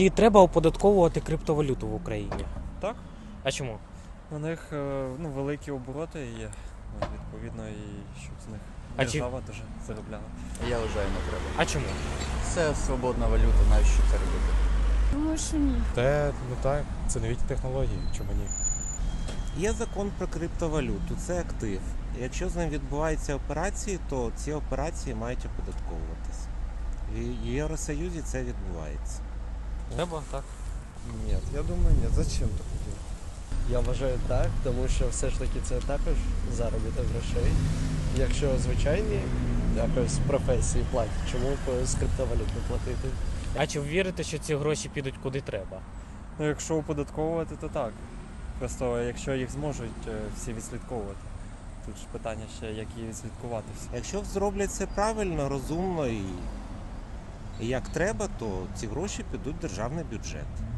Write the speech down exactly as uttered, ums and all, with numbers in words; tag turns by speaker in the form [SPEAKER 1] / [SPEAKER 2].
[SPEAKER 1] І треба оподатковувати криптовалюту в Україні.
[SPEAKER 2] Так.
[SPEAKER 1] А чому?
[SPEAKER 2] У них е, ну, великі обороти є, ну, відповідно, і щоб з них
[SPEAKER 1] А чи-
[SPEAKER 2] держава дуже заробляла.
[SPEAKER 3] Я вважаю, не треба.
[SPEAKER 1] А чому?
[SPEAKER 3] Це свободна валюта, навіщо це робити?
[SPEAKER 4] Думаю, що ні.
[SPEAKER 5] Те, ну так, це новітні технології, чому ні?
[SPEAKER 6] Є закон про криптовалюту, це актив. Якщо з ним відбуваються операції, то ці операції мають оподатковуватися. В Євросоюзі це відбувається.
[SPEAKER 1] Треба, так.
[SPEAKER 7] Ні, я думаю, ні. Зачем так робити?
[SPEAKER 8] Я вважаю так, тому що все ж таки це також заробіток грошей. Якщо звичайні якось професії платять, чому б з криптовалют не платити?
[SPEAKER 1] А чи вірите, що ці гроші підуть куди треба?
[SPEAKER 2] Ну, якщо оподатковувати, то так. Просто якщо їх зможуть е, всі відслідковувати. Тут ж питання ще, як її відслідкувати всі.
[SPEAKER 6] Якщо зроблять це правильно, розумно і, і як треба, то ці гроші підуть в державний бюджет.